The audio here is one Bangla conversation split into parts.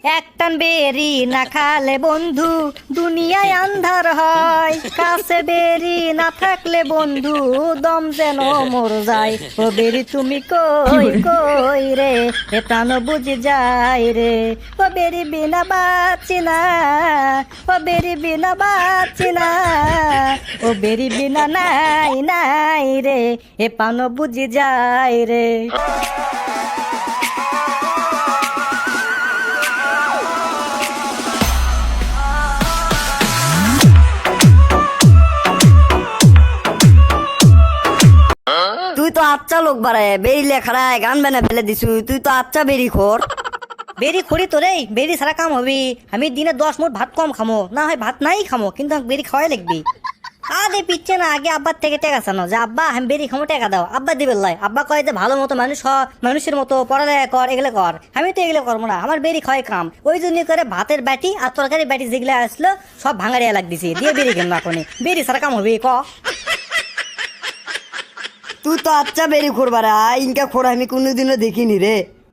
এক টান বেরি না খালে বন্ধু দুনিয়ায় আন্ধার হয়, কাছে বেরি না থাকলে বন্ধু দম যেন মর যায়। ও বেরি তুমি কই কই রে, এ প্রাণ বুঝে যায় রে। ও বেরি বিনা বাঁচি না, ও বেরি বিনা বাঁচি না, ও বেরি বিনা নাই নাই রে, এ প্রাণ বুঝে যায় রে। তুই তো আচ্ছা লোক বাড়ায় বেরি লেখারায় গান বানা ফেলে দিছু, তুই তো আচ্ছা বেরি খোর। বেরি খড়ি তো রে, বেরি সারা কাম হবি। আমি দিনে 10 মুঠ ভাত কম খামো, না হয় ভাত নাই খামো, কিন্তু আমাকে বেরি খাওয়াই লাগবি। আরে পিচ্ছে না, আগে আব্বার থেকে টাকা চানো যে আব্বা আমি বেরি খামো, টাকা দাও। আব্বা দিবে লাই, আব্বা কয় যে ভালো মতো মানুষ হ, মানুষের মতো পড়ালেখা কর, এগুলো কর। আমি তো এগুলো করবো না, আমার বেরি খাওয়াই কাম। ওই জন্য করে ভাতের বাটি আর তরকারি বাটি যেগুলো আসলো সব ভাঙাড়িয়া লাগ দিছি, দিয়ে বেরি কেন না কোনে। বেরি সারা কাম হবি ক। তুই তো আচ্ছা বেরি খোর বাড়া, ইনকা খোর আমি কোনোদিনও দেখিনি রে।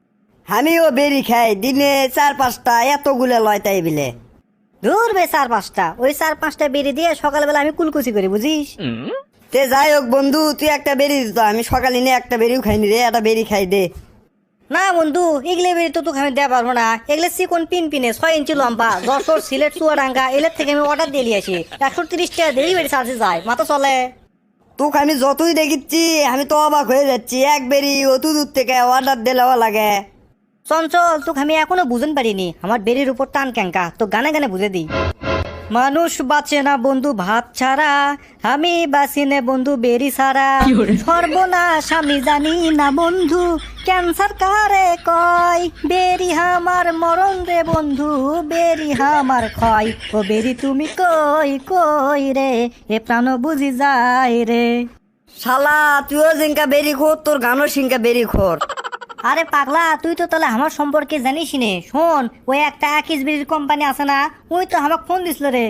আমিও বেরি খাই দিনে 4-5টা, এতগুলো লয় তাই বিলে। দূর বে 4-5টা, ওই 4-5টা বেরি দিয়ে সকালবেলা আমি কুলকুচি করি, বুঝিস। তে যাই হোক বন্ধু, তুই একটা বেরি দিত, আমি সকালে নিয়ে একটা বেরিও খাইনি রে, একটা বেরি খাই দে। না বন্ধু, এগুলো বেরি তো তোকে আমি দেওয়া পারবো না। এগুলো চিকন পিন পিনে 6 ইঞ্চি লম্বা, যশোর সিলেট চুয়াডাঙ্গা এলের থেকে আমি অর্ডার দিয়ে নিয়ে আসি। 130 টাকা ডেলিভারি চার্জে যায়, মাথা চলে। তোকে আমি যতই দেখিচ্ছি আমি তো অবাক হয়ে যাচ্ছি, এক বেরি অত দূর থেকে অর্ডার দিলেও লাগে। চঞ্চল, তোকে আমি এখনো বুঝন পারিনি আমার বেরির উপর টান ক্যাঙ্কা, তো গানে গানে বুঝে দিই। মানুষ বাঁচে না বন্ধু ভাত ছাড়া, আমি বাঁচি নে বন্ধু বেরি ছাড়া। সর্বনাশ আমি জানি না বন্ধু, ক্যান্সার কারে কয়। বেরি হামার মরণ রে বন্ধু, বেরি হামার ক্ষয়। ও বেরি তুমি কই কই রে, এ প্রাণ বুঝি যায় রে। শালা তুইও জিঙ্কা বেরি খোর, তোর গানও সিঙ্কা বেরি খোর। আরে পাগলা, তুই তো তাহলে আমার সম্পর্কে জানিস নে। শোন, ওই একটা আকিস বিড়ির কোম্পানি আছে না, ওই তো আমাকে ফোন দিছিল রে।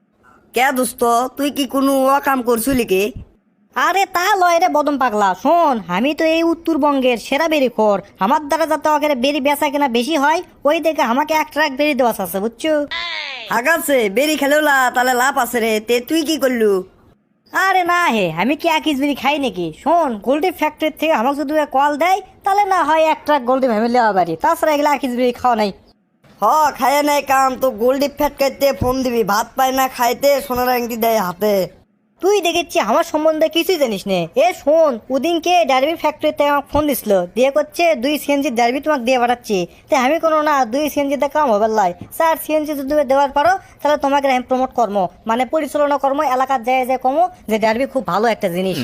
কে দোস্ত, তুই কি কোনো কাম করছিলি কি? আরে তা লয় রে বদম পাগলা, শোন আমি তো এই উত্তরবঙ্গের সেরা বেরি খোর। আমার দ্বারা যাতে ওকে বেরি বেচা কেনা বেশি হয়, ওই দেখে আমাকে 1 ট্রাক বেরি দেওয়া আছে, বুঝছো। আগাছে বেরি খেলেও তাহলে লাভ আছে রে, তে তুই কি করলু? আরে না হে, আমি কি আকিস বিড়ি খাই নাকি। শোন, গোল্ডি ফ্যাক্টরি থেকে আমাকে যদি কল দেয় তাহলে না হয় 1 ট্রাক গোল্ডি ভেবে নেওয়া পারি, তাছাড়া এগুলো আকিস বিড়ি খাওয়া নাই। খায় নাই কাম তো গোল্ডি ফ্যাট খাইতে ফোন দিবি, ভাত পায় না খাইতে, সোনার আংটি দেয় হাতে। তুই দেখেছি আমার সম্বন্ধে কিছুই জানিস নে। এ শোন, ওদিনকে ডারবি ফ্যাক্টরিতে আমাকে ফোন দিছিল, দিয়ে করছে 2 সিএনজি ডারবি তোমাকে দিয়ে পাঠাচ্ছি। তাই আমি কোনো না 2 সিএনজিতে কাম হবে লাই, 4 সিএনজি যদি তুমি দেওয়ার পারো তাহলে তোমাকে আমি প্রমোট কর্ম মানে পরিচালনা কর্ম এলাকার যায় যায় কমো যে ডারবি খুব ভালো একটা জিনিস।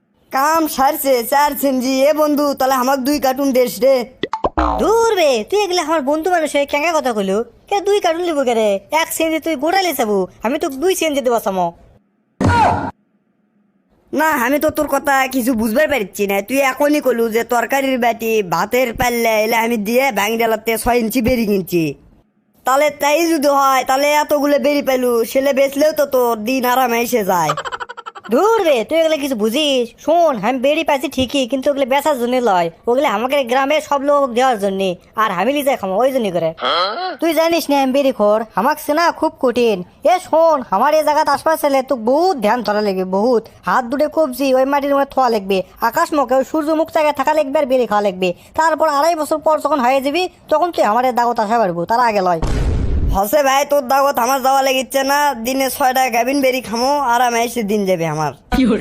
কাম সারছে 4 সেনজি। এ বন্ধু তাহলে আমার 2 কার্টুন দেশ রে। দূর বে, তুই এগুলো আমার বন্ধু মানুষ হয়ে কেঙ্গা কথা কইলু। কে 2 কার্টুন লিবো কে রে, 1 সিএনজি তুই গোড়ালি চাবু, আমি তো 2 সিএনজি দেবো সামো। না আমি তো তোর কথা কিছু বুঝবার পারছি না। তুই এখনই কলু যে তরকারির বাটি ভাতের পাল্লা এলে আমি দিয়ে ব্যাং ডালাতে 6 ইঞ্চি বেরি কিনছি। তাহলে তাই যদি হয় তাহলে এতগুলো বেরি পেলু, সেলে বেচলেও তো তোর দিন আরামে এসে যায়। দূর রে, তুই এগুলো কিছু বুঝিস। শোন, আমি বেরি পাইছি ঠিকই, কিন্তু ওগুলো বেচার জন্য লয়, ওগুলো আমাকে গ্রামে সব লোক দেওয়ার জন্য, আর আমি লিজে খামো ওই জন্য করে। তুই জানিস না আমি বেরি খোর, আমাকে চেনা খুব কঠিন। এ শোন, আমার এই জায়গাতে আসবার ছেলে তো বহুত ধ্যান ধরা লাগবে, বহুত হাত দুটো কবজি ওই মাটির মধ্যে থোয়া লাগবে, আকাশ মুখে ওই সূর্য মুখ জায়গায় থাকা লাগবে, আর বেরি খাওয়া লাগবে। তারপর 2.5 বছর পর যখন হয়ে যাবি তখন তুই আমার এই দাগত আসা পারবো, তার আগে লয়। হসে ভাই, তোর দাগত আমার যাওয়া লেগেছে না। দিনে 6টা গাভিন বেরি খামো, আরামে এসে দিন যাবে আমার।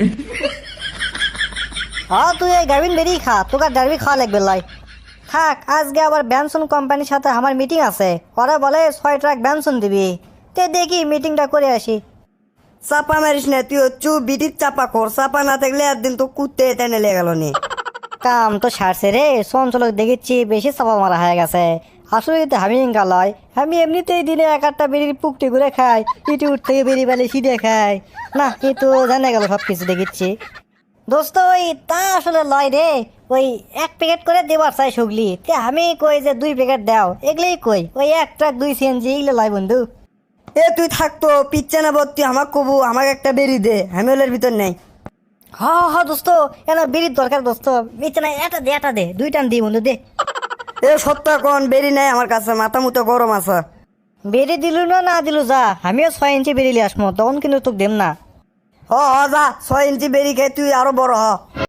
হ্যাঁ, তুই এই গাভিন বেরি খা, তোকে ডারবি খাওয়া লাগবে লয়। থাক, আজকে আবার ব্যানসন কোম্পানির সাথে আমার মিটিং আছে, ওরা বলে 6 ট্রাক ব্যানসন দিবি। তে দেখি মিটিংটা করে আসি। চাপা মারিস না, তুই হচ্ছু বিটির চাপা খোর। চাপা না থাকলে একদিন তো কুত্তে টেনে লেগে গেল নি। কাম তো সারছে রে, চঞ্চলক দেখেছি বেশি চাপা মারা হয়ে গেছে। আসলে তো আমি ইঙ্গা লয়, আমি এমনিতেই দিনে 1-8টা বেরির পুকটি করে খাই, পিটি উঠ থেকে বেরি বেলে সিটে খাই না, এই তো জানা গেল সব কিছু দেখেছি। দোস্ত ওই তা আসলে লয় রে, ওই 1 প্যাকেট করে দেবার চাই সুগলি, তে আমি কই যে 2 প্যাকেট দাও, এগুলোই কই ওই 1 ট্রাক 2 সিএনজি এগুলো লয় বন্ধু। এ তুই থাকতো পিচ্ছে না বত্তি, আমাকে কবু আমাকে একটা বেরি দে, আমি ওলের ভিতর নেই। হ হ দোস্ত, এন বেরির দরকার দোস্ত, বিছানা এটা দে 2 টান দি বন্ধু দে। এ সত্য কোন বেরি নাই আমার কাছে, মাথা মুতো গরম আছে। বেরি দিলু না দিলু যা, আমিও 6 ইঞ্চি বেরি লিয়ে আসমো, তখন কিন্তু তোকে দেম না। হ হ যা, 6 ইঞ্চি বেরি খেয়ে তুই আরো বড় হ।